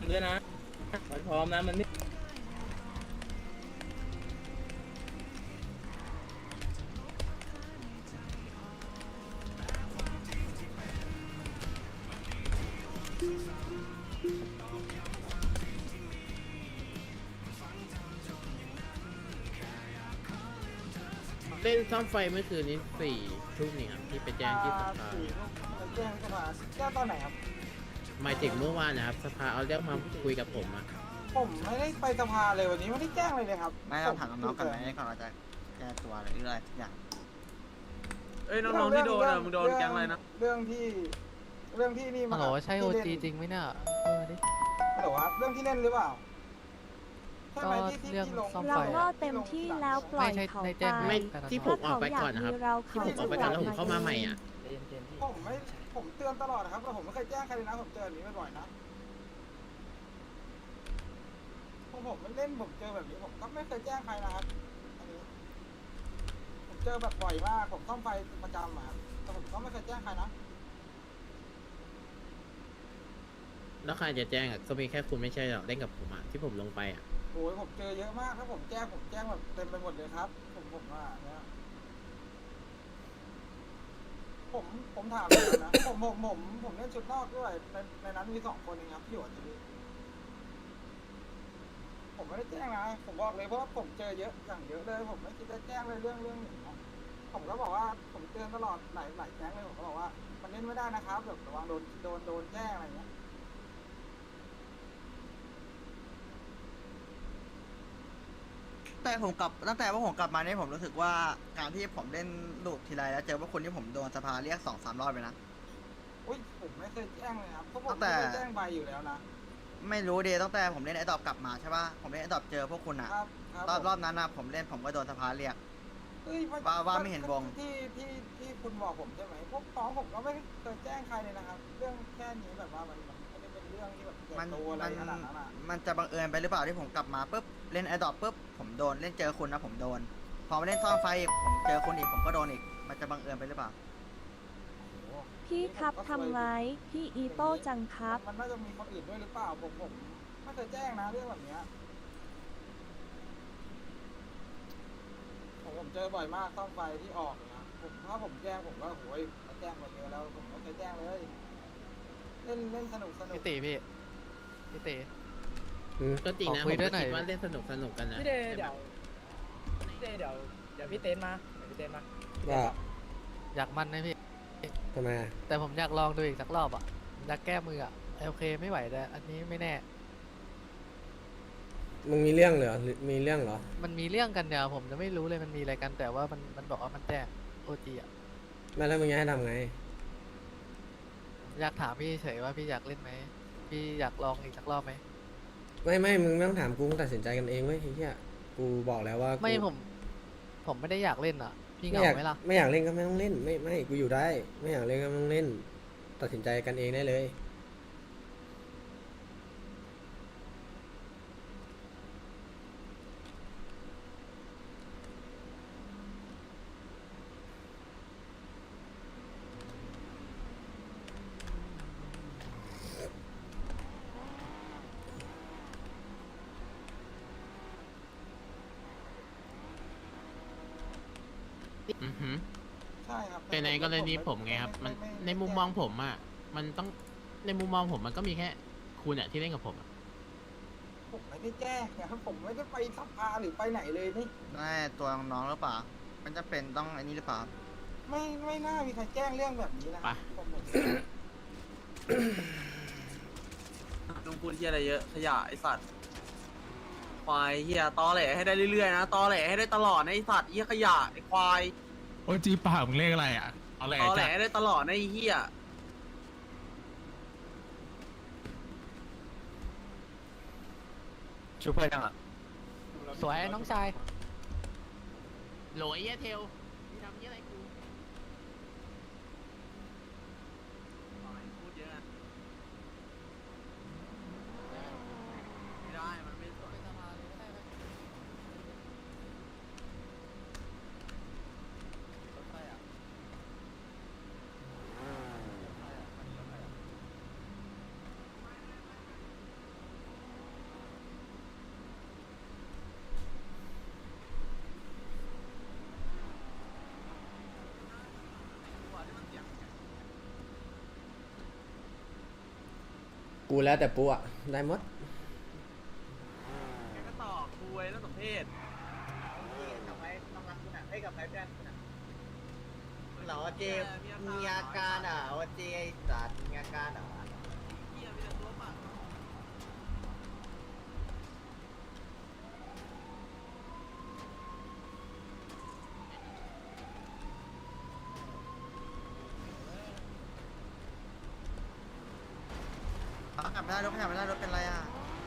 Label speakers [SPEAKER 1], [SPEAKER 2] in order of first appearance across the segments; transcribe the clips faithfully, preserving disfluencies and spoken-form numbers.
[SPEAKER 1] ด้วยนะมันพร้อมนะมันไม่
[SPEAKER 2] เล่นซ่อมไฟเมื่อคืนนี้สี่ทุ่มนี่ครับที่ไปแจ้งที่สภา
[SPEAKER 3] สี่ลูกไปแจ้งสภาแจ้งตอนไหนครับ
[SPEAKER 2] หมายถึงเมื่อวานนะครับสภาเอาเรื่องมาคุยกับผมอะ
[SPEAKER 3] ผมไม่ได้ไปสภาเลยวันนี้ไม่ได้แจ้งเลยเลยครับ
[SPEAKER 4] ไม่ต้องถามน้องๆก่อนไหมก่อนเราจะแก้ตัวหรืออะไรทุกอย่าง
[SPEAKER 5] เอ้ยน้องๆที่โดนอ่ะมึงโดนแก๊งอะไรนะ
[SPEAKER 3] เรื่องที่เรื่องที่นี่
[SPEAKER 6] ฮั
[SPEAKER 3] มา
[SPEAKER 6] ลโหลใช่โอ
[SPEAKER 3] ที่
[SPEAKER 6] จี
[SPEAKER 3] เล่น
[SPEAKER 6] จริงไหมเนี่ยเออดิ
[SPEAKER 3] ฮัลโหลครับเรื่องที่เล่นหรือเปล่าใช่ไหม
[SPEAKER 6] ก็
[SPEAKER 3] ที่ที่
[SPEAKER 6] เรื่อง
[SPEAKER 3] ที่ลง
[SPEAKER 6] ซ่อม
[SPEAKER 7] เรา
[SPEAKER 6] ไฟ
[SPEAKER 7] ก็เต็มที่แล้วปล่อย
[SPEAKER 6] ไม่ใช่
[SPEAKER 7] เขา
[SPEAKER 6] ใน
[SPEAKER 7] ไป
[SPEAKER 6] แจ้ง
[SPEAKER 2] ไม่ที่ผมออกไปก่อนนะครับ
[SPEAKER 7] เรา
[SPEAKER 2] ที่ผมออกไปก่อนแล้วผมเข้ามาใหม่อ่ะ
[SPEAKER 3] ผมไม่ผมเตือนตลอดนะครับแต่ผมไม่เคยแจ้งใครเลยนะผมเจอแบบนี้บ่อยๆนะพอผมไม่เล่นผมเจอแบบนี้ผมก็ไม่เคยแจ้งใครนะครับอันนี้ผมเจอแบบบ่อยมากผมซ่อมไฟประจำอะครับแต่ผมก็ไม่เคยแจ้งใครนะ
[SPEAKER 2] แล้วใครจะแจ้งอ่ะก็มีแค่คุณไม่ใช่หรอกเล่นกับผมอ่ะที่ผมลงไปอ่ะ
[SPEAKER 3] โอ้ยผมเจอเยอะมากถ้าผมแจ้งผมแจ้งแบบเต็มไปหมดเลยครับ ผมผมว่าเนี่ยผมผมถามเลยนะผมผมผมผมเล่นชุดนอกด้วยในในนั้นมีสองคนเองครับที่อยู่ที่นี่ผมไม่ได้แจ้งนะผมบอกเลยเพราะว่าผมเจอเยอะอย่างเยอะเลยผมไม่คิดจะแจ้งเลยเรื่องเรื่องหนึ่งนะผมก็บอกว่าผมเตือนตลอดหลายหลายแจ้งเลยผมก็บอกว่ามันเล่นไม่ได้นะครับแบบระวังโดนโดนโดนแจ้งอะไรเงี้ย
[SPEAKER 4] แต่ผมกลับตั้งแต่ว่าผมกลับมาเนี่ยผมรู้สึกว่าการที่ผมเล่นลูกทีไรแล้วเจอว่าคนที่ผมโดนสภาเรียกสองสามรอบเลยนะ
[SPEAKER 3] อุ้ยผมไม่เคยแจ้งเลยครับเพราะผม
[SPEAKER 4] ตั้งแต่
[SPEAKER 3] ไม่ได้แจ้งใบอยู่แล้วนะ
[SPEAKER 4] ไม่รู้ดีตั้งแต่ผมเล่นไอ้ดอบกลับมาใช่ป่ะผมเล่นไอ้ดอบเจอพวกคุณอะ
[SPEAKER 3] ครับครับ
[SPEAKER 4] รอบ
[SPEAKER 3] ผม
[SPEAKER 4] รอบนั้นนะผมเล่นผมก็โดนสภาเรียก
[SPEAKER 3] เอ้ย
[SPEAKER 4] ว่าว่าไม่เห็นวง
[SPEAKER 3] ที่ที่ที่คุณบอกผมใช่ไหมพวกน้องผมก็ไม่เคยแจ้งใครเลยนะครับ เรื่องแค่นี้แบบว่ามันมันไม่ได้เป็นเรื่องที่แบบใหญ่
[SPEAKER 4] มัน
[SPEAKER 3] โตอะไร
[SPEAKER 4] มัน
[SPEAKER 3] ขนาดนั้นอ่ะ
[SPEAKER 4] มันจะบังเอิญไปหรือเปล่าที่ผมกลับมาปุ๊บเล่นไอ้ดอบปุ๊บผมโดนเล่นเจอคุณนะผมโดน พอมาเล่นซ่อมไฟอีกผมเจอคุณอีกผมก็โดนอีกมันจะบังเอิญไปหรือเปล่า
[SPEAKER 7] พี่ครับทำไว้พี่อีโต้จังครับ
[SPEAKER 3] มันน่าจะมีคนอื่นด้วยหรือเปล่าผมผมไม่เคยแจ้งนะเรื่องแบบเนี้ยผมผมเจอบ่อยมากซ่อมไฟที่ออกนะผมถ้าผมแจ้งผมก็โหยแจ้งไปเยอะแล้วผมไม่เคยแจ้งเลยเล่นเล่นสนุกสนุก
[SPEAKER 6] พี่ตีพี่พี่ตี
[SPEAKER 2] อืมก็จริงนะ
[SPEAKER 6] ขอ
[SPEAKER 2] ผ
[SPEAKER 6] คุย
[SPEAKER 2] ม
[SPEAKER 6] ด้
[SPEAKER 2] ก็
[SPEAKER 6] วยหน่อย
[SPEAKER 2] คิดว่าเล่นสนุกสนุกกันนะ
[SPEAKER 1] พี่เดย์เดี๋ยวพี่เดย์เดี๋ยวเดี๋ยวพี่เต้นมาเดี๋ยวพี่เต้นมา
[SPEAKER 8] ว่า
[SPEAKER 6] อยากมันนะพี่
[SPEAKER 8] ทำไมอะ
[SPEAKER 6] แต่ผมอยากลองดูอีกสักรอบอ่ะอยากแก้มืออ่ะโอเคไม่ไหวแต่อันนี้ไม่แน่
[SPEAKER 8] มึงมีเรื่องเหรอหรือมีเรื่องเหรอ
[SPEAKER 6] มันมีเรื่องกันเนี่ยผมจะไม่รู้เลยมันมีอะไรกันแต่ว่ามันมันบอกว่ามันแจ้งโอจีอ่ะ
[SPEAKER 8] ไม่แล้วมึงจะให้ทำไง
[SPEAKER 6] อยากถามพี่เฉยว่าพี่อยากเล่นไหมพี่อยากลองอีกสักรอบไหม
[SPEAKER 8] ไม่ไม่มึงไม่ต้องถามกูมึงตัดสินใจกันเองเว้ยไอ้เหี้ยกูบอกแล้วว่ากู
[SPEAKER 6] ไม่ผม ผมไม่ได้อยากเล่นอ่ะ พี่เห
[SPEAKER 8] ไม่
[SPEAKER 6] งา
[SPEAKER 8] อยาก
[SPEAKER 6] ไหมล่ะ
[SPEAKER 8] ไม่อยากเล่นก็ไม่ต้องเล่นไม่ไม่กูอยู่ได้ ไม่อยากเล่นก็ไม่ต้องเล่น ตัดสินใจกันเองได้เลย
[SPEAKER 2] อือหือ
[SPEAKER 3] ใช่ครับ
[SPEAKER 2] แต่ในกรณีผมไงครับ มันในมุมมองผมอ่ะมันต้องในมุมมองผมมันก็มีแค่คุณอ่ะที่เล่นกับผมอะ
[SPEAKER 3] ผมไม่ได้แจ้งนะครับผมไม่ได้ไปสภาหรือไปไหนเลยนี่
[SPEAKER 4] ไม่ตัวน้องๆหรือเปล่า มันจะเป็นต้องอันนี้หรือเปล่า
[SPEAKER 3] ไม่ไม่น่ามีใครแจ้งเรื่องแบบนี้นะ
[SPEAKER 2] ไป
[SPEAKER 3] ผมผม
[SPEAKER 5] ลุงพูดเฮียอะไรเยอะขยะไอสัตว์ควายเฮียตอแหลให้ได้เรื่อยๆนะตอแหลให้ได้ตลอดนะไอสัตว์เฮียขยะไอควาย
[SPEAKER 9] โอ้ยจีปากมึงเลขอะไรอ่ะ เอาแหละ
[SPEAKER 5] ตอแหล
[SPEAKER 9] จ้ะ
[SPEAKER 5] ให้ได้ตลอดนะไอเฮีย
[SPEAKER 6] ชูเพื่อนยังอ่ะสวยน้องชาย
[SPEAKER 2] โหลไอ้เหี้ยเทลมึงทำเหี้ยอะไรกู
[SPEAKER 5] พูดเยอะไม่ได้มันไม่สวย
[SPEAKER 2] อ
[SPEAKER 8] กูแล้วแต่ปูอะได้หมด
[SPEAKER 5] แกก็ต่อคุยแล้วสมเพศ
[SPEAKER 4] กลับไปต้องรักคุณอ่ะให้กลับไปเพื่อนคุณอ่ะเหรอเจมีอาการอ่ะว่าเจสัตว์มีอาการอ่ะ
[SPEAKER 5] เหี้ยมีแต่ตัวปาก
[SPEAKER 4] ขับไม่ได้รถขับไม่ได้รถเป็นไรอ่ะ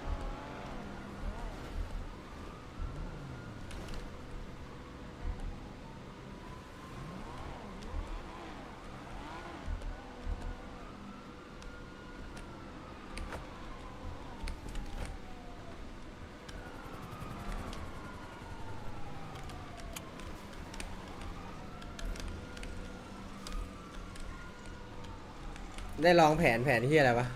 [SPEAKER 8] ได้ลองแผนแผนที่อะไรวะ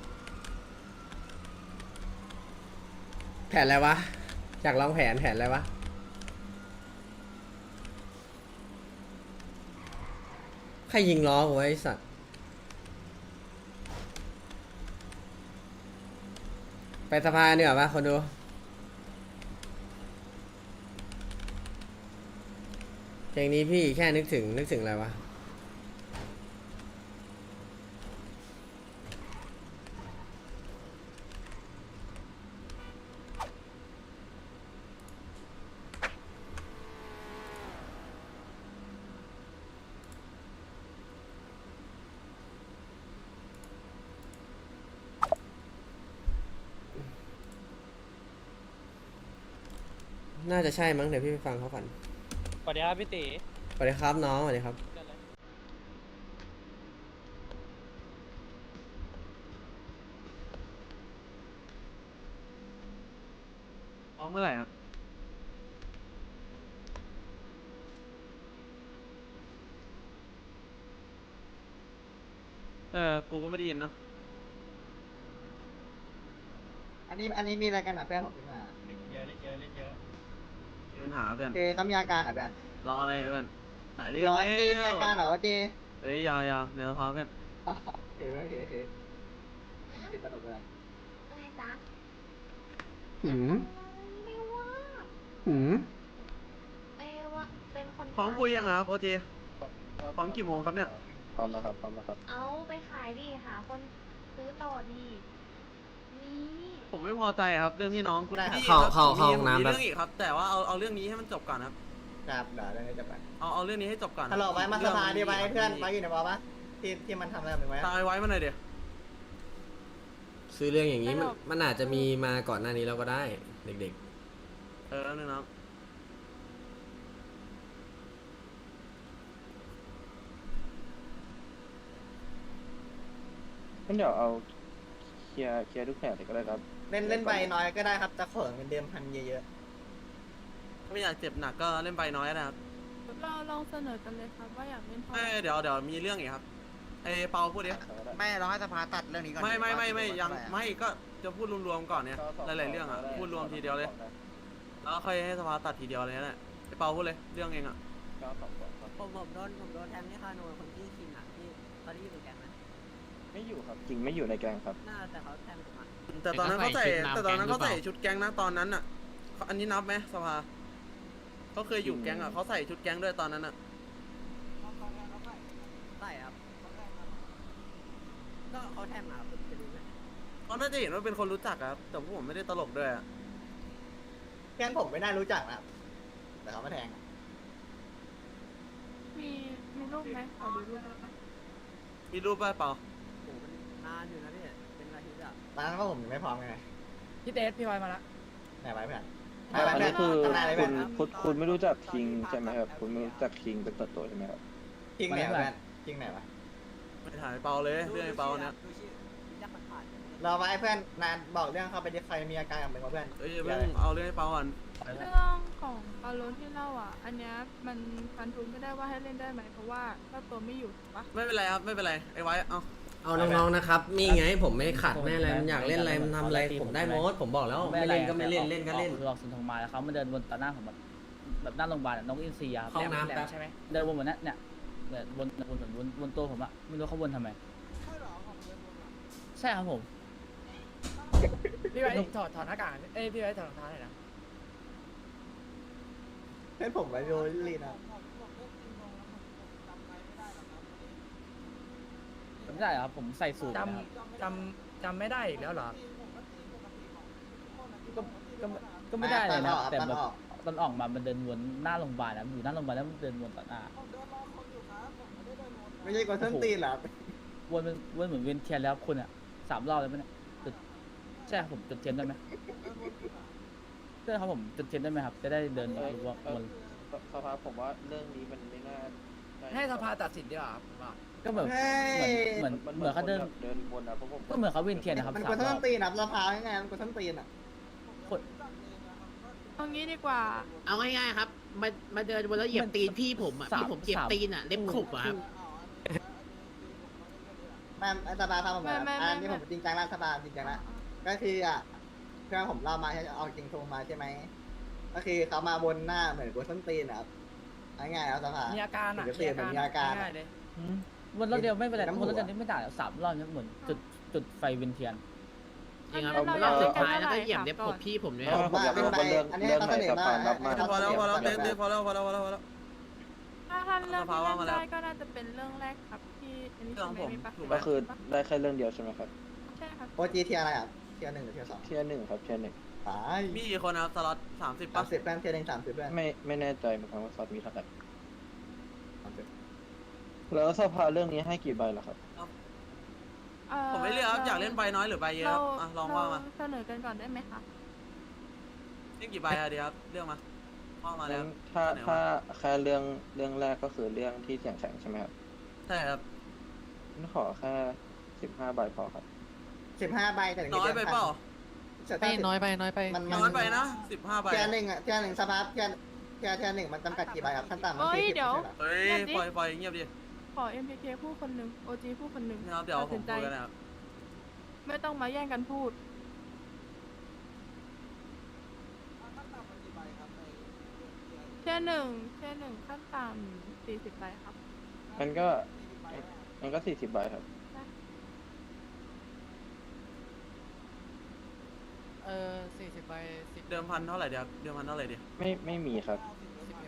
[SPEAKER 8] แผนอะไรวะอยากลองแผนแผนอะไรวะใครยิงล้อกูไว้ไอ้สัตว์ไปสภาเนี่ยปะคนดูเพลงนี้พี่แค่นึกถึงนึกถึงอะไรวะน่าจะใช่มั้งเดี๋ยวพี่ไปฟังเขาก่อน
[SPEAKER 1] สวัสดีครับพี่ตี
[SPEAKER 8] สวัสดีครับน้องสวัสดีครับ
[SPEAKER 5] ออกเมื่อไหร่ครับเออกูก็ไม่ได้ยินเนาะ
[SPEAKER 4] อันนี้อันนี้มีอะไรกันอ่ะเพื่อนผมมา
[SPEAKER 5] มีปัญหาเพื่อน
[SPEAKER 4] เจต้องมีอาการอ่ะเพื่อน
[SPEAKER 5] รออะไรเพื่อนหายเรื่อ
[SPEAKER 4] ร้
[SPEAKER 5] ง
[SPEAKER 4] อย
[SPEAKER 5] แล้
[SPEAKER 4] เจมีอาว การเหรอเจ
[SPEAKER 5] เฮ้ยยาวยาวเดี๋ยวพาเพื่อน
[SPEAKER 4] เฮ้ยเฮ้ยเฮ้ยติดตลกเลย
[SPEAKER 7] อะไรจ๊ะ
[SPEAKER 8] หืม
[SPEAKER 7] ไม่ว่า
[SPEAKER 8] หืม
[SPEAKER 7] เอว่าเป็นคน
[SPEAKER 5] พร้อมคุยยังครับโอเจพร้อมกี่โมงครับเนี่ย
[SPEAKER 6] พร้อมแล้วครับพร้อมแล้วครับ
[SPEAKER 7] เอาไปขายดิหาคนซื้อต่อดีนี่
[SPEAKER 5] ผมไม่พอใจครับเรื่องที่น้องคุณพี่
[SPEAKER 8] เข้า
[SPEAKER 5] ครับ
[SPEAKER 8] เข้า
[SPEAKER 5] ผม
[SPEAKER 8] เข้า
[SPEAKER 5] มี
[SPEAKER 8] ห้องน้ำ
[SPEAKER 5] มี
[SPEAKER 8] แป๊บ
[SPEAKER 5] เรื่องอีกครับ แต่ว่าเอาเอาเรื่องนี้ให้มันจบก่อนครับ
[SPEAKER 4] จับเดี๋ยวเรื่องนี้จะไป
[SPEAKER 5] เอาเอาเรื่องนี้ให้จบก่อน
[SPEAKER 4] ฮัลโหลไว้มาสภาดีไว้
[SPEAKER 5] รื่ง
[SPEAKER 4] เพื่อนไว้อยู่ในบอลปะที่ที่มันทำอะไรกับมึงไว้
[SPEAKER 5] ตายไว้มาหน่อยเดี๋ยว
[SPEAKER 8] ซื้อเรื่องอย่างนี้มันมันอาจจะมีมาก่อนหน้านี้แล้วก็ได้เด็ก
[SPEAKER 5] เออแล้วนึงน้อง
[SPEAKER 6] งั้นเดี๋ยวเอาเคลียร์เคลียร์ทุกแผนเลยก็ได้ครับ
[SPEAKER 4] เล่นเล่นใบน้อยก็ได้ครับจะขอเงินเดือนพันเยอะ
[SPEAKER 5] ถ้าไม่อยากเจ็บหนักก็เล่นใบน้อยนะครับ
[SPEAKER 7] เราลองเสนอกันเลยครับว่าอยากเล่นพอ
[SPEAKER 5] ไม่เดี๋ยวเดี๋ยวมีเรื่องอีกครับไอเปาพูดดิ
[SPEAKER 4] ๆไม่เราให้สภาตัดเรื่องนี้ก่อน
[SPEAKER 5] ไม่ไม่ไม่ไม่
[SPEAKER 4] ว่า
[SPEAKER 5] ยัง
[SPEAKER 4] เท่าหร่อะ
[SPEAKER 5] ไม่ก็จะพูดรวมๆก่อนเนี่ยหลายๆเรื่องอ่ะพูดรวมทีเดียวเลยแล้วค่อยให้สภาตัดทีเดียวเลยนั่นแหละไอเปาพูดเลยเรื่องเองอ่ะ
[SPEAKER 10] ผมผมโดนผมโดนแทงที่คาโนคนที่คิงอ่ะที่เขาได้อยู่ในแก๊งไหม
[SPEAKER 6] ไม่อยู่ครับจริงไม่อยู่ในแกงครับ
[SPEAKER 10] น่าแต่เขาแทงผมอ่ะ
[SPEAKER 5] แต่ตอนนั้นเขาใส่แต่ตอนนั้นเขาใส่ชุดแก๊งนะตอนนั้นอ่ะอันนี้นับไหมสภาเขาเคยอยู่แก๊งอ่ะเขาใส่ชุดแก๊งด้วยตอนนั้นอ่ะ
[SPEAKER 10] ใช่ครับก็เขาแทงมาผมจะรู้ไหม
[SPEAKER 5] เขาน่าจะเห็นว่าเป็นคนรู้จักอะครับแต่พวกผมไม่ได้ตลกด้วยอะ
[SPEAKER 4] เพื่อนผมไม่น่ารู้จักนะครับแต่เขามาแทงอะ
[SPEAKER 7] มีมีรูปไหมขอดูรูปได้ไหม
[SPEAKER 5] มีรูปป่ะเปล่า
[SPEAKER 10] โอ้โหมันนานอยู่นะพี่เป็นอาทิตย์อ่ะ
[SPEAKER 4] ตอนนั้นก็ผมยังไม่พร้อมไง
[SPEAKER 1] พี่เตสพี่ไวมาละ
[SPEAKER 4] ไหนไว้เพื่อน
[SPEAKER 6] อันนี้คือ
[SPEAKER 4] ทำนายอะไร
[SPEAKER 6] คุ
[SPEAKER 4] เพื่อน
[SPEAKER 6] ณคุณคุณไม่รู้จักคิงใช่ไหมครับ คุณไม่รู้จักคิงเป็นตัวตัวใช่ไหมครับ
[SPEAKER 4] จริงไหนวะเพื่อนจริงไหนวะ
[SPEAKER 5] ไม่ถ่ายเปาเลยเรื่องไอ้เปาเนี่ย
[SPEAKER 10] ดูชื่อรู้จักผ่านๆ
[SPEAKER 4] เราไว้เพื่อนนานบอกเรื่องเข้าไปดิใครมีอาการกับมึงวะเพื่อน
[SPEAKER 5] เอ้ยเพิ่งเอาเรื่องไอ้เปาก่อน
[SPEAKER 7] เรื่องของปาโลที่เล่าอ่ะ อันเนี้ยมันฟันทุนไม่ได้ว่าให้เล่นได้ไหมเพราะว่าถ้าตัวไม่อยู่ถูกปะ
[SPEAKER 5] ไม่เป็นไรครับไม่เป็นไรไอ้ไว้เอา
[SPEAKER 8] ๆ เอาน้องๆนะครับนี่ไงผมไม่ขัดไม่อะไรมันอยากเล่นอะไรมันทำอะไรผมได้หมดผมบอกแล้วไม่เล่นก็ไม่เล่นเล่นก็เล่น
[SPEAKER 10] คือออกสุนทรมาแล้วเขามาเดินวนต่อหน้าผมแบบแบบหน้าโรงพยาบาลน้องอินซีอะ
[SPEAKER 8] ห้องน้ำแป๊บ
[SPEAKER 1] ใช่ไหม
[SPEAKER 10] เดินวนเหมือนนั้นเนี่ยเนี่ยวนวนวนวนวนตัวผมอะไม่รู้เขาวนทำไมใช่ครับผม
[SPEAKER 1] พี่ไว้ถอดถอดหน้ากากเอ้ยพี่ไว้ถอดรองเท้าหน่อยนะ
[SPEAKER 4] เพื่อนผมไว้โรลลีนะ
[SPEAKER 3] จำได้ครับผมใส่สูท
[SPEAKER 1] จำจำจำไม่ได้อีกแล้วเหรอ
[SPEAKER 3] ก็ก็ก็ไม่ได้เลยนะแต่แบบตอนออกมามันเดินวนหน้าโรงพยาบาลนะอยู่หน้าโรงพยาบาลแล้วมันเดินวนต่อหน้า
[SPEAKER 4] ไม่ใช่กดส้นตีนเหรอ
[SPEAKER 3] วนเป็นวนเหมือนเวียนเทียนแล้วคุณอ่ะสามรอบเลยมั้ยเนี่ยจุดใช่ครับผมจุดเทียนได้ไหมใช่ครับผมจุดเทียนได้ไหมครับ จะได้เดินวน
[SPEAKER 5] สภาผมว่าเรื่องนี้มันไม่น่า
[SPEAKER 1] ให้สภาตัดสินดีกว่าครับผมว่า
[SPEAKER 3] ก็แบบเหมือนเหมือนเหมือนเขาเดิน
[SPEAKER 5] เดินวนอะเพราะผม
[SPEAKER 3] ก็เหมือนเขาเวียนเทียนนะครับ
[SPEAKER 4] มัน
[SPEAKER 3] สาก ม
[SPEAKER 4] ด
[SPEAKER 3] ร
[SPEAKER 4] ส้
[SPEAKER 3] อน บ
[SPEAKER 4] ตีนนะสภาไงมันกดส้นตีนอ่ะ
[SPEAKER 3] คน
[SPEAKER 7] เอางี้ดีกว่า
[SPEAKER 2] เอาง่ายๆครับ มามาเดินบนแล้วเหยียบตีนพี่ผมอ่ะ
[SPEAKER 3] สาม
[SPEAKER 2] พี่ผมเหยียบ
[SPEAKER 3] สาม
[SPEAKER 2] ตีนอ่ะ เล็บขบอ่ะครับ
[SPEAKER 4] ไม่สภาทำผมแบบอันนี้ผมจริงจังแล้วสภาจริงจังแล้วก็คืออ่ะเพื่อนผมเล่ามาใช่เอาจริงโทรมาใช่ไหมก็คือเขามาบนหน้าเหมือนกดส้นตีนครับง่ายๆแล้วสภา
[SPEAKER 1] มีอาการอ่ะ
[SPEAKER 4] เดี๋ยวเปลี่ยนเป็นมีอาการ
[SPEAKER 1] ง่ายๆเลย
[SPEAKER 3] วนรอบเดียวไม่เป็นไร
[SPEAKER 4] น้ำหั
[SPEAKER 3] ว
[SPEAKER 4] ว
[SPEAKER 3] นรอบเดียวนี้ไม่ได้หรอกสามรอบเนี่ยเหมือนจุดจุดไฟเวียนเทียน
[SPEAKER 2] จริงครับ
[SPEAKER 7] งั้น
[SPEAKER 2] รอบสุด
[SPEAKER 7] เรา
[SPEAKER 2] ท้ายแล้วก็
[SPEAKER 7] จะ
[SPEAKER 2] เหยียบเล็บขบพี่ผมด้วยค
[SPEAKER 4] ผ
[SPEAKER 2] รับ
[SPEAKER 4] มว่าเป็นไปอันนี้เขาเสนอมาให้เขา
[SPEAKER 5] พอแล้วพอแล้ว
[SPEAKER 4] เส
[SPEAKER 5] เต้
[SPEAKER 4] น
[SPEAKER 5] เต้
[SPEAKER 4] อ
[SPEAKER 5] พอแล้วพอแล้วพอแล้วพอแล้ว
[SPEAKER 7] ถ้าท่านเลือก
[SPEAKER 5] สภา
[SPEAKER 7] ที่
[SPEAKER 5] ว่า
[SPEAKER 7] เล่
[SPEAKER 5] มาน แล้ว
[SPEAKER 7] ได้ก็น่าจะเป็นเรื่องแรกครับที่อันนี้
[SPEAKER 5] เรื่องของผม
[SPEAKER 7] ใช่ไหม
[SPEAKER 5] ถูก
[SPEAKER 7] มี
[SPEAKER 5] ไหม
[SPEAKER 7] ปะ
[SPEAKER 5] ก็คือได้แค่เรื่องเดียวใช่ไหมครับ
[SPEAKER 7] ใช่ครับ
[SPEAKER 4] โอจีเทียอะไรอ่ะเทียหนึ่งหรือเทียสอง
[SPEAKER 5] เทียร์หนึ่งครับเทียร์หนึ่ง
[SPEAKER 4] ตาย
[SPEAKER 5] มีกี่คนครับสล็อตสามสิบ
[SPEAKER 4] สา
[SPEAKER 5] ป่ะ
[SPEAKER 4] มสิบแป้นเทียหนึ่งสามสิบแป้น
[SPEAKER 5] ไม่ไม่แน่ใจเหมือนกันว่าสล็อตมีเท่าไหร่
[SPEAKER 4] สามสิบ
[SPEAKER 5] แล้วสภาเรื่องนี้ให้กี่ใบล่ะครับ
[SPEAKER 7] เอ่อ
[SPEAKER 5] ผมไม่เลือกครับอยากเล่นใบน้อยหรือใบเยอะครับอ่ะลองว่ามา
[SPEAKER 7] เรเสนอกันก่อนได้ไหมคะ
[SPEAKER 5] เล่นกี่ใบอะดีครับเลือกมาว่ามาแล้ว
[SPEAKER 11] ถ้า
[SPEAKER 5] เสนอ
[SPEAKER 11] ถ้า
[SPEAKER 5] มา
[SPEAKER 11] แค่เรื่องเรื่องแรกก็คือเรื่องที่เสียงแข็งใช่ไหมครับ
[SPEAKER 5] ใช่ครับ
[SPEAKER 11] งั้นขอแค่สิบห้าใบพอครับ
[SPEAKER 4] สิบห้าใบแต่ถึง
[SPEAKER 5] น้อยไปเปล่า
[SPEAKER 6] ไม่น้อยไปน้อยไป
[SPEAKER 4] มัน
[SPEAKER 5] น้อยไปนะสิบห้าใบ
[SPEAKER 4] เทียหนึ่งอ่ะเทียหนึ่งสภาเทียเทียเทียหนึ่งมันจำกัดกี่ใบครับขั้นต่ำมัน
[SPEAKER 7] เอ้ย
[SPEAKER 4] สี่สิบ
[SPEAKER 7] เดี๋ยว
[SPEAKER 4] ใช่เหรอ
[SPEAKER 5] เฮ้ยปล่อยปล่อยเงียบดิ
[SPEAKER 7] ขอ เอ็ม พี เค ผู้คนหนึ่ง โอ จี ผู้คนหนึ่ง
[SPEAKER 5] นะครับเดี๋ยว
[SPEAKER 7] ตัด
[SPEAKER 5] ผ
[SPEAKER 7] สิ
[SPEAKER 5] ม
[SPEAKER 7] นใจ
[SPEAKER 5] พูดกันนะครับ
[SPEAKER 7] ไม่ต้องมาแย่งกันพูด เช่นหนึ่งเช่นหนึ่งขั้นต่ำสี่สิบใบครับ
[SPEAKER 11] มันก็มันก็สี่สิบใบครับ
[SPEAKER 6] เออสี่สิบใบสิบ
[SPEAKER 5] เดิมพันเท่าไหร่เดียวเดิมพันเท่าไหร่ดี
[SPEAKER 11] ไม่ไม่มีครับ
[SPEAKER 6] สิบเอ็ม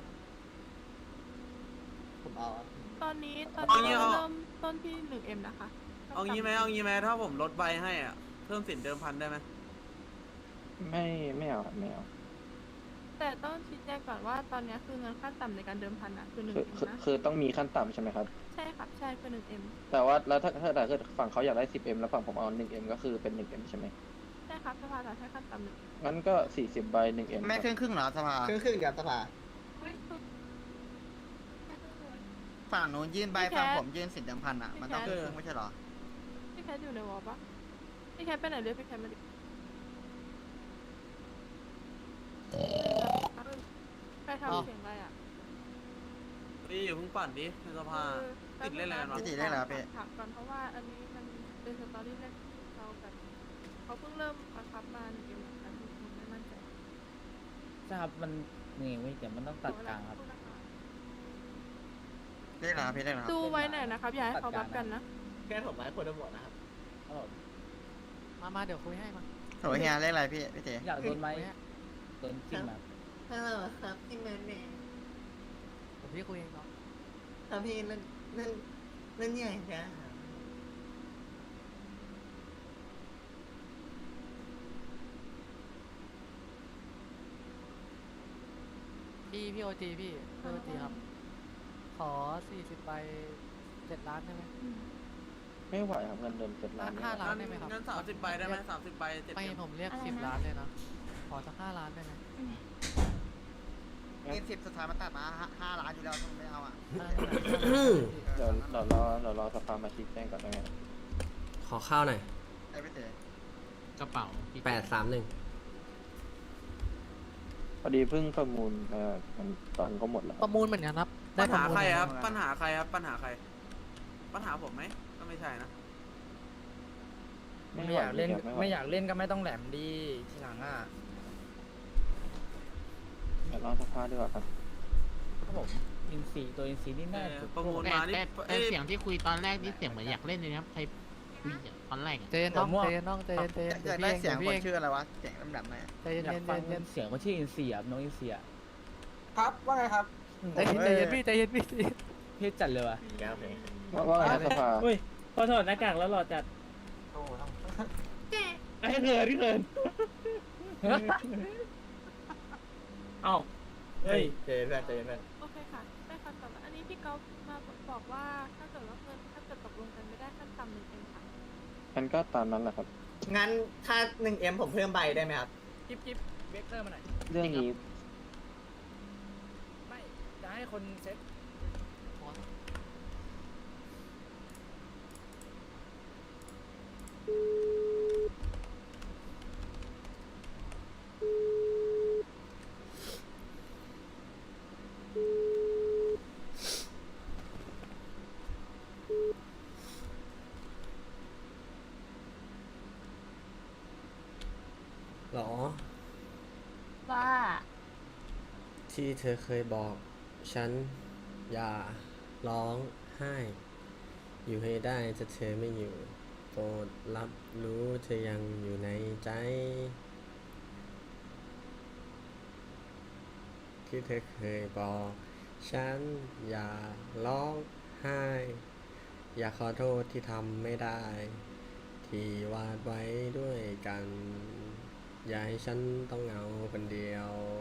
[SPEAKER 4] ผมเอาอะ
[SPEAKER 7] ตอนนี้ตอน
[SPEAKER 5] เอา
[SPEAKER 7] นี้
[SPEAKER 5] งี้เอา
[SPEAKER 7] เริ่มต้นที่หนึ่งเอ็มนะคะ
[SPEAKER 5] เอางี้ไหมเอางี้ไหมถ้าผมลดใบให้อ่ะเพิ่มสินเดิมพันได้ไหม
[SPEAKER 11] ไม่ไม่เอาครับไม่เอา
[SPEAKER 7] แต่ต้องชี้แจงก่อนว่าตอนนี้คือเงินขั้นต่ำในการเดิมพันอะคือหนึ่ง
[SPEAKER 11] คือ
[SPEAKER 7] เอ็ม
[SPEAKER 11] คือ
[SPEAKER 7] นะ
[SPEAKER 11] คือต้องมีขั้นต่ำใช่ไหมครับ
[SPEAKER 7] ใช่ครับใช่คือหนึ่งเอ็ม
[SPEAKER 11] แต่ว่าแล้วถ้าถ้าถ้าเกิดฝั่งเขาอยากได้สิบเอ็มแล้วฝั่งผมเอาหนึ่งเอ็มก็คือเป็นหนึ่งเอ็มใช่ไหม
[SPEAKER 7] ใช่ครับสภาจะใช้ขั้นต่ำหนึ่ง
[SPEAKER 11] งั้นก็สี่สิบใบหนึ่งเอ็ม
[SPEAKER 4] ไม่ครึ่งครึ่งเหรอสภาครึ่งครึ่งกับสภาฝั่งนู้นยื่นใบฝั่งผมยื่นสินเดิมพันอ่ะมันต้องครึ่งครึ่งไม่ใช่เหรอ
[SPEAKER 7] พี่แคทอยู่ในวอลปะพี่แคทไปไหนเรียกพี่แคทมาดิใครทำเสียงอะไรอ่ะ
[SPEAKER 5] นี่อยู่าเพิ่งปั่นดิในสภา ติดเล่นอะไรกันวะ
[SPEAKER 4] พี่ติดเล่นอะไรวะพี่
[SPEAKER 7] ถามก่อนเพราะว่าอันนี้มันเป็นสตอรี่แรกที่เราแบบเขาเพิ่งเริ่มบังคับมาหนึ่งเอ็มเหมือนกันผมไม่มั่นใจ
[SPEAKER 3] ใช่ครับมันนี่เว้ยเดี๋ยวมันต้องตัดกลางครับ
[SPEAKER 4] เรียกเหรอพี่เรียกเหรอ
[SPEAKER 7] ดูไว้หน่อยนะครับอย่าให้เขาบัฟกันนะ
[SPEAKER 2] แค่ผมไว้คนละหมดนะครับ
[SPEAKER 6] มามาเดี๋ยวคุยให้มา
[SPEAKER 4] โหเฮียเรียกอะไรพี่พี่เต๋
[SPEAKER 3] อยากโดนไหมโดนจิ้มแบบ
[SPEAKER 10] ฮัลโหลครับพี่แมนแมน
[SPEAKER 6] ผมพี่คุยเองเนาะ
[SPEAKER 10] ครับพี่นั่นนั่นนั่นใหญ่จ้า
[SPEAKER 6] พี่พี่โอจีพี่พี่โอจีครับ ขอสี่สิบใบเจ็ดล้านได้ไหม
[SPEAKER 11] ไม่ไหวครับเงินเดิมเจ็ดล้าน
[SPEAKER 6] ห้า
[SPEAKER 11] ไม่ไหว
[SPEAKER 6] ล้านได้ไหมครับ
[SPEAKER 5] งั้นสามสิบใบได้ไหมสามสิบใบเจ็ด
[SPEAKER 6] ไม่
[SPEAKER 5] เอ็ม
[SPEAKER 6] ผมเรียก
[SPEAKER 7] อะไร
[SPEAKER 6] สิบ
[SPEAKER 7] นะ
[SPEAKER 6] ล้านเลยนะ ขอสักห้าล้านได้ไหม
[SPEAKER 4] เงินสิบสุดท้ายมันตัดมาห้าล้านอยู่แล้วทำไมไม่เอาอ่ะ
[SPEAKER 11] เดี๋ยวเดี๋ยวรอเดี๋ยวรอสภามาชี้แจงก่อนได้ไหมครับ
[SPEAKER 8] ขอข้าวหน่อย
[SPEAKER 4] ไอ้พี่เต๋
[SPEAKER 2] กระเป๋าพี่
[SPEAKER 8] แปดสามหนึ่ง
[SPEAKER 11] พอดีเพิ่งประมูลเอ่อมันตอนก็หมดแล้ว
[SPEAKER 6] ประมูลเหมือนกันครับ ได้
[SPEAKER 5] ปัญ
[SPEAKER 6] ประ
[SPEAKER 5] หา
[SPEAKER 6] มูล
[SPEAKER 5] ใคร
[SPEAKER 6] เหมือน
[SPEAKER 5] ค
[SPEAKER 6] กั
[SPEAKER 5] รับ
[SPEAKER 6] น
[SPEAKER 5] ปัญหาใครครับปัญหาใคร ปัญหาผมไหมก็ไม่ใช่นะ
[SPEAKER 11] ไม่
[SPEAKER 1] ไม่
[SPEAKER 11] ไหว
[SPEAKER 1] อยากเล่น
[SPEAKER 11] ครับไม่ไหว
[SPEAKER 1] ไม่อยากเล่นก็ไม่ต้องแหลมดีทีหลังอ่ะ
[SPEAKER 11] เดี๋ยวรอสภาดีกว่าครับ
[SPEAKER 3] ครับผมอินซีตัวอินซีนี่
[SPEAKER 5] เอ
[SPEAKER 3] น่า
[SPEAKER 5] อ
[SPEAKER 3] จะ
[SPEAKER 5] ประมูล
[SPEAKER 2] แต่
[SPEAKER 5] มานี่
[SPEAKER 2] แต่แต่
[SPEAKER 5] เอ้ย
[SPEAKER 2] เสียงที่คุยตอนแรกนี่เสียงเหมือนอยากเล่นเลยนะครับ ใครคุยอ่ะตอนแรกอะ
[SPEAKER 6] เจนน้องเจนน้องเจนเจน
[SPEAKER 4] อยากได้เสียงคนชื่ออะไรวะเสียงลำดับไหน
[SPEAKER 6] ใจเย็นเย็นเย็นเย็น
[SPEAKER 1] เสียงคนชื่ออินเสียน้องอินเสีย
[SPEAKER 3] ครับว่าไงครับ
[SPEAKER 6] ใจเย็นใจเย็นพี่ใจเย็นพี่
[SPEAKER 1] เท่จัดเลยว่ะ
[SPEAKER 11] ว่าว่าไงครับสภา
[SPEAKER 1] อุ้ยพอถอดหน้ากากแล้วหล่อจัด
[SPEAKER 3] โอ้ทั้ง
[SPEAKER 1] ไอ้เขินที่เขินเอ้าเฮ้ย
[SPEAKER 4] เจนเพื่อนเจนเพื่อน
[SPEAKER 7] โอเคค่ะได้คำตอบแล้วอันนี้พี่ก๊อฟมาบอกว่าถ้าเกิดว่าเงินถ้าเกิดตกลงกันไม่ได้ขั้นต่ำหนึ่งเองค่ะ
[SPEAKER 11] มันก็ตามนั้นแหละครับ
[SPEAKER 4] งั้นถ้าหนึ่งเอ็มผมเพิ่มใบได้ไหมครับ
[SPEAKER 1] จิ๊บจิ๊บเบเกอร์มาหน่อย
[SPEAKER 11] เรื่องนี้
[SPEAKER 1] ไม่จะให้คนเซ็ต
[SPEAKER 8] หรอ
[SPEAKER 7] ว่า
[SPEAKER 8] ที่เธอเคยบอก ฉัน อย่า ร้องไห้ อยู่ให้ได้จะเธอไม่อยู่ โปรดรับรู้เธอยังอยู่ในใจ ที่เธอเคยบอก ฉัน อย่า ร้องไห้ อยากขอโทษที่ทำไม่ได้ ที่วาดไว้ด้วยกัน อย่าให้ฉันต้องเหงาคนเดียว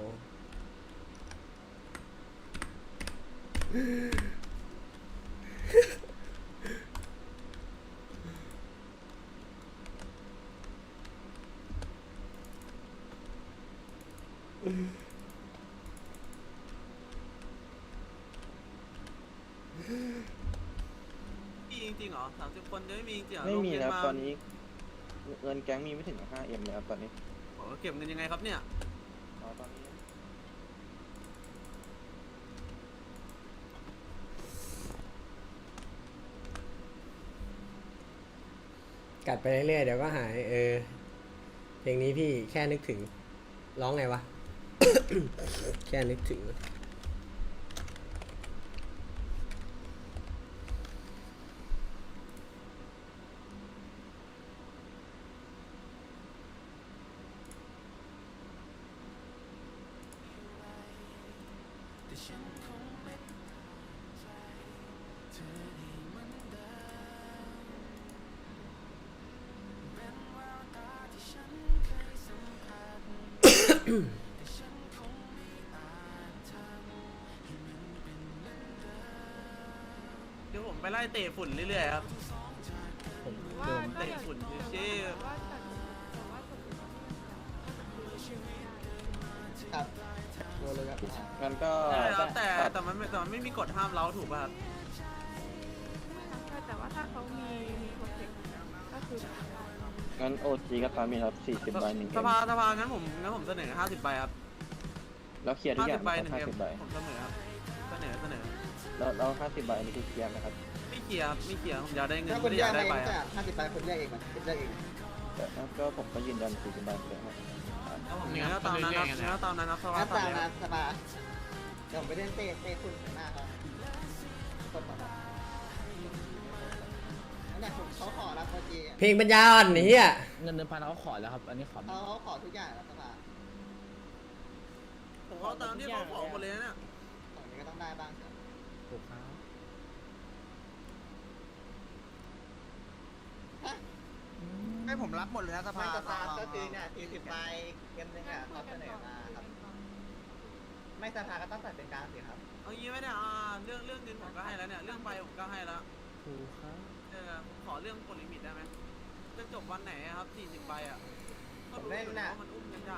[SPEAKER 5] มีจริงๆเหรอสามสิบคนจะไม่มีจริงๆเหรอ
[SPEAKER 11] ไม่มี
[SPEAKER 5] โงเรีย
[SPEAKER 11] นะครับ
[SPEAKER 5] มา
[SPEAKER 11] ตอนนี้ เงินแก๊งมีไม่ถึง ห้าเอ็มเลยครับตอนนี้
[SPEAKER 5] โอ้เก็บเงินยังไงครับเนี่ย
[SPEAKER 11] อ๋อตอนนี้
[SPEAKER 8] กัดไปเรื่อยๆเดี๋ยวก็หาย เออ เพลงนี้พี่แค่นึกถึง ร้องไงวะ แค่นึกถึง
[SPEAKER 5] เดี๋ยวผมไปไล่เตะฝุ่นเรื่อยๆครับ
[SPEAKER 1] ผม
[SPEAKER 7] ว่า
[SPEAKER 1] โดน
[SPEAKER 7] ก็
[SPEAKER 5] เตะ
[SPEAKER 7] อย่าง
[SPEAKER 5] ฝุ่น
[SPEAKER 7] ที่
[SPEAKER 5] เชี่ย
[SPEAKER 7] ว่าจัดแต่ว่าตกลงกันไม่ได้
[SPEAKER 4] ครับโดนเลยครับ
[SPEAKER 11] งั้นก็
[SPEAKER 5] ใช่ครับแต่
[SPEAKER 11] ตัด
[SPEAKER 5] แต่มันไม่แต่มันไม่มีกฎห้ามเล้าถูกป่ะครับ
[SPEAKER 7] ใช่แต่ว่าถ้าเขามีมีโปรเจกต์ก็คือได้
[SPEAKER 11] งั้นโอจีก็ตามมีครับสี่สิบใบหนึ่ง
[SPEAKER 5] ส
[SPEAKER 11] เอ็ม
[SPEAKER 5] ภาสภางั้นผมงั้นผมเสนอห้าสิบใบครับ
[SPEAKER 11] แล้วเคลียร์ทุก
[SPEAKER 5] ห้า
[SPEAKER 11] อ
[SPEAKER 5] สิ
[SPEAKER 11] ย่าง
[SPEAKER 5] บใบ
[SPEAKER 11] นะ
[SPEAKER 5] ห
[SPEAKER 11] ค
[SPEAKER 5] นึ่
[SPEAKER 11] รับ
[SPEAKER 5] ง
[SPEAKER 11] ห้า
[SPEAKER 5] เอ็ม
[SPEAKER 11] สิบใบ
[SPEAKER 5] ผมเสนอครับเสนอเสนอ
[SPEAKER 11] แล้วแล้วห้าสิบใบอันนี้คือเคลียร์ไหมครับ
[SPEAKER 5] ไม่เคลียร์ครับไม่เคลียร์ผมอยากได้เงิน
[SPEAKER 4] ถ้าคน
[SPEAKER 5] ไม่
[SPEAKER 4] แย
[SPEAKER 5] ได้อก ยาก
[SPEAKER 4] ไป
[SPEAKER 5] ได้
[SPEAKER 4] เอ
[SPEAKER 5] ใบ
[SPEAKER 4] ง
[SPEAKER 5] ค
[SPEAKER 4] จะ
[SPEAKER 5] รับ
[SPEAKER 4] ห้าสิบใบคนแยกเองมันคนแยกเอง
[SPEAKER 11] แต่ก็ผมก็ยืนยันสี่สิบใบเหมือนเดิมครับ
[SPEAKER 5] แล้วผมงั้นก็ตามนั้นครับงั้นก็ตามนั้นครับสภา
[SPEAKER 4] งั้น
[SPEAKER 5] ตาม
[SPEAKER 4] ตาม
[SPEAKER 5] เลยค
[SPEAKER 4] นะ
[SPEAKER 5] รับ
[SPEAKER 4] สบายเดี๋ยวผมไปเล่นเตะเตะคุณหน้าครับคนต่อมานั่นแหละผมเขาขอรับโอจี
[SPEAKER 8] เพลงปัญญาอ่อนเฮีย
[SPEAKER 1] เงินเดิมพันเขาขอแล้วครับ อันนี้ขอ
[SPEAKER 4] เขาเขาขอทุกอย่างแล้วสบาย
[SPEAKER 5] ผมเอาตามที่เขาขอหมดเลยนะเนี่ย
[SPEAKER 4] ของนี้ก็ต้องได้บ้างครับ
[SPEAKER 1] ถูกครับ
[SPEAKER 4] ให้ผมรับหมดเลยนะสภาสภาก็คือเนี่ยสี่สิบใบเกมนึงอ่ะเขาเสนอมาครับ ไม่สภาก็ต้องตัดเป็นกลางสิครับ
[SPEAKER 5] เอางี้ไหมเนี่ยอ่าเรื่องเรื่องเงินผมก็ให้แล้วเนี่ยเรื่องใบผมก็ให้แล้ว
[SPEAKER 1] ถูกครับ
[SPEAKER 5] เออผมขอเรื่องกดลิมิตได้ไหมจะจบวันไหนอะครับสี่สิบใบอ่ะก็รู้อยู่แล้วว่ามันอุ้มกันยาก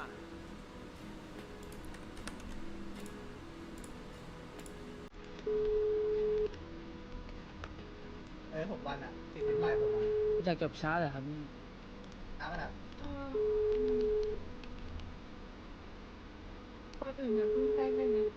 [SPEAKER 4] เออผมวันอ่ะสี่สิบใบผมอ่ะ
[SPEAKER 1] อยากจบช้าเลยครับ
[SPEAKER 4] อ้าวมันอ่ะ
[SPEAKER 7] เออคนอื่นอย่าเพิ่งแจ้งได้ไหม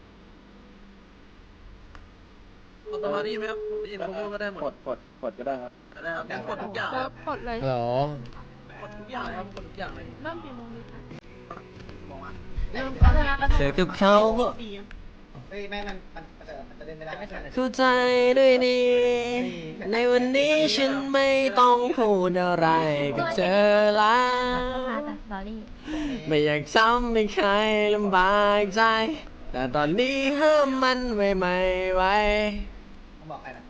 [SPEAKER 5] กดสมาธิไหมครับได้ยินเขาพูดก็ได้หม
[SPEAKER 11] ก
[SPEAKER 5] ด
[SPEAKER 11] ดกดกดก็ได้ครับ
[SPEAKER 5] ได้ครับงั้นกดทุกอย่าง
[SPEAKER 7] แล้
[SPEAKER 5] คว รับ
[SPEAKER 7] กดเลย
[SPEAKER 8] หรอ
[SPEAKER 5] กดทุกอย่างเลยครับกดทุกอย่างเลย
[SPEAKER 7] เริ่มกี่โมงดีคะ
[SPEAKER 5] มองอ่ะ
[SPEAKER 7] เริ่มก็ได้แล้ว
[SPEAKER 10] เสือกับเขา
[SPEAKER 4] เฮ้ยแม่มันมันมันจะมันจะเล่นไม่ได้
[SPEAKER 8] เข้าใจด้วยดีในวันนี้ฉันไม่ต้องพูดอะไรกับเธอแล้วไม่อยากทำให้ใครลำบากใจแต่ตอนนี้ห้ามมันไว้ไม่ไหว
[SPEAKER 4] ผมบอกใครนะ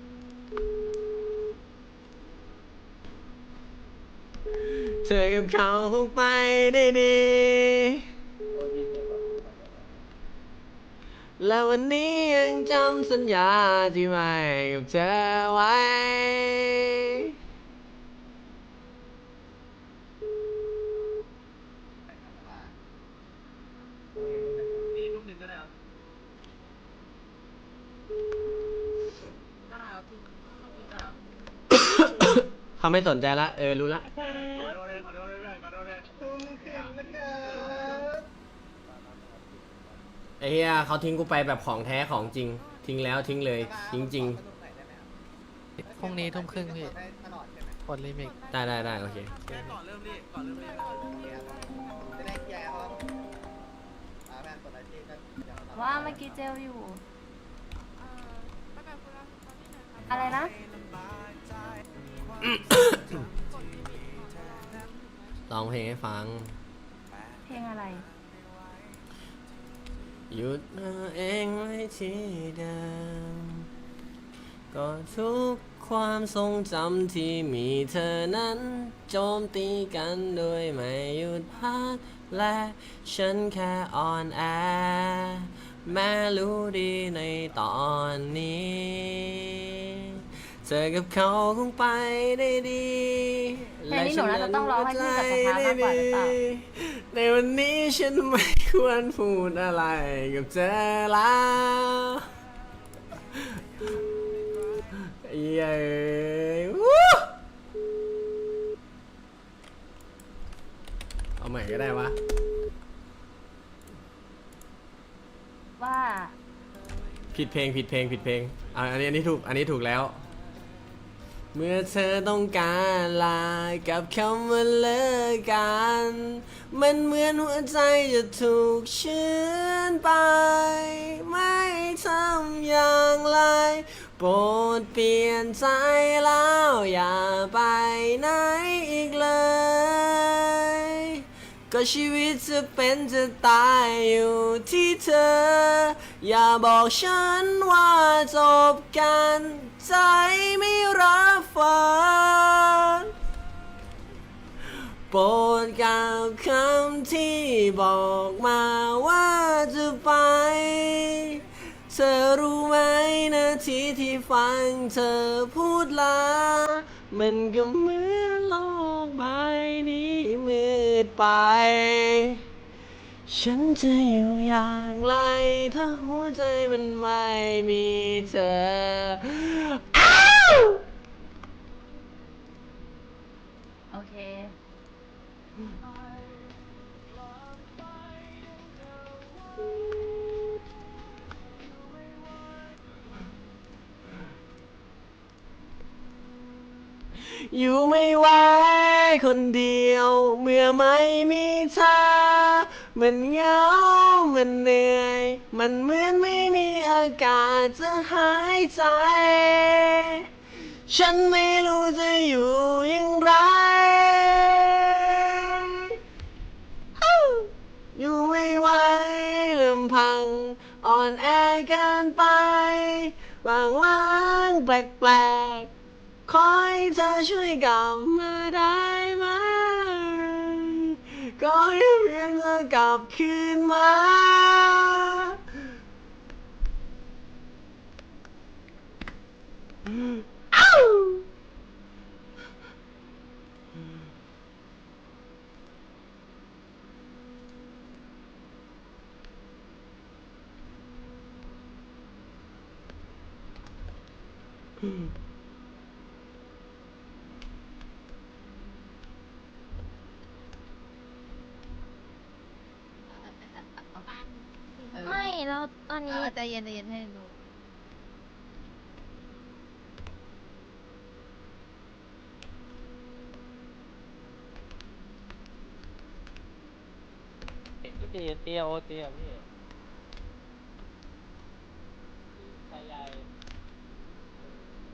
[SPEAKER 8] เธอกับเขาคงไปได้ดีและวันนี้ยังจำสัญญาที่ไม่กับเธอไว้เขาไม่สนใจละเออรู้ละไอ้เหี้ยเขาทิ้งกูไปแบบของแท้ของจริงทิ้งแล้วทิ้งเลยทิ้งจริง
[SPEAKER 6] พรุ่งนี้ทุ่มครึ่งพี่กดลิมิต
[SPEAKER 8] ได้ได้ได้โอเค
[SPEAKER 5] ก่อนเริ่มรีก่อนเริ่มรี
[SPEAKER 4] จะได้เคลียร์เขาอ่าแม่กดอะไรที่ก็ยังทำ
[SPEAKER 7] ว่าเมื่อกี้เจลอยู่
[SPEAKER 12] อะไรนะ
[SPEAKER 8] ร้องเพลงให้ฟัง
[SPEAKER 12] เพลงอะไร
[SPEAKER 8] หยุดเอาเองไว้ที่เดิมก็ทุกความทรงจำที่มีเธอนั้นโจมตีกันโดยไม่หยุดพักและฉันแค่อ่อนแอแม้รู้ดีในตอนนี้เธอกับเขาคงไปได้ดี
[SPEAKER 12] เพลงนี้หนูน่าจะต้องร้องให้พี่กับสภามากกว่าหรือเปล่า
[SPEAKER 8] ในวันนี้ฉันไม่ควรพูดอะไรกับเธอแล้วเย้วู้เอาใหม่ก็ได้วะ
[SPEAKER 12] ว่า
[SPEAKER 8] ผิดเพลงผิดเพลงผิดเพลงอ่ะอันนี้อันนี้ถูกอันนี้ถูกแล้วเมื่อเธอต้องการลากับคำว่าเลิกกันมันเหมือนหัวใจจะถูกเชื้อนไปไม่ทำอย่างไรโปรดเปลี่ยนใจแล้วอย่าไปไหนอีกเลยก็ชีวิตจะเป็นจะตายอยู่ที่เธออย่าบอกฉันว่าจบกันใจไม่รับฟังโปรดกล่าวคำที่บอกมาว่าจะไปเธอรู้ไหมนาทีที่ฟังเธอพูดลามันก็เหมือนโลกใบนี้มืดไปฉันจะอยู่อย่างไรถ้าหัวใจมันไม่มีเธออ้าว
[SPEAKER 12] โอเค
[SPEAKER 8] อยู่ไม่ไหวคนเดียวเมื่อไม่มีเธอมันเหงามันเหนื่อยมันเหมือนไม่มีอากาศจะหายใจฉันไม่รู้จะอยู่อย่างไรอยู่ไม่ไหวลำพังอ่อนแอเกินไปบางวันแปลกๆขอให้เธอช่วยกลับมาได้ไหมก็ให้เพียงเธอกลับคืนมาอ้าว
[SPEAKER 12] ไม่แล้วตอนนี้ใจเย็นใจเย็นให้ดู
[SPEAKER 10] พี่เตี้ยโอเตี้ยพี่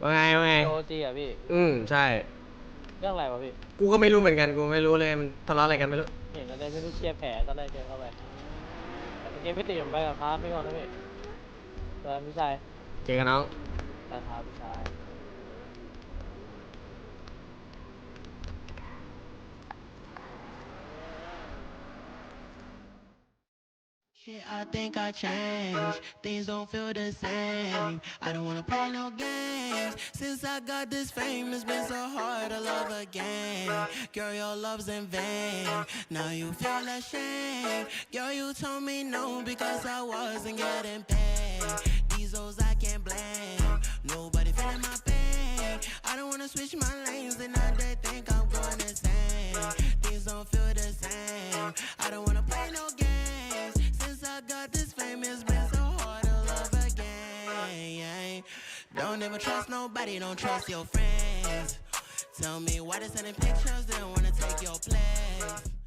[SPEAKER 8] ว่าไงว่าไง
[SPEAKER 6] โอจีอ่ะพี่
[SPEAKER 8] อืมใช่
[SPEAKER 6] เรื่องอะไรวะพี่
[SPEAKER 8] กูก็ไม่รู้เหมือนกันกูไม่รู้เลยมันทะเลาะอะไรกันไม่รู้
[SPEAKER 6] เห็นอะไรไม่รู้เชียร์แผลตอนแรกเจอเข้าไปเกมพี่ตีผมไปกับครับพี่ก่อนนะพี่เออพี่ชาย
[SPEAKER 8] เจอกันน้อง
[SPEAKER 6] นะครับพี่ชาย
[SPEAKER 13] Shit, I think I changed. Things don't feel the same. I don't wanna play no games. Since I got this fame, it's been so hard to love again. Girl, your love's in vain. Now you feel ashamed. Girl, you told me no because I wasn't getting paid. These hoes I can't blame. Nobody feeling my pain. I don't wanna switch my lanes and now they think I'm going insane. Things don't feel the same. I don't wanna play no games. I got this fame, it's been so hard to love again. Don't ever trust nobody, don't trust your friends. Tell me why they sending pictures, they don't wanna take your place.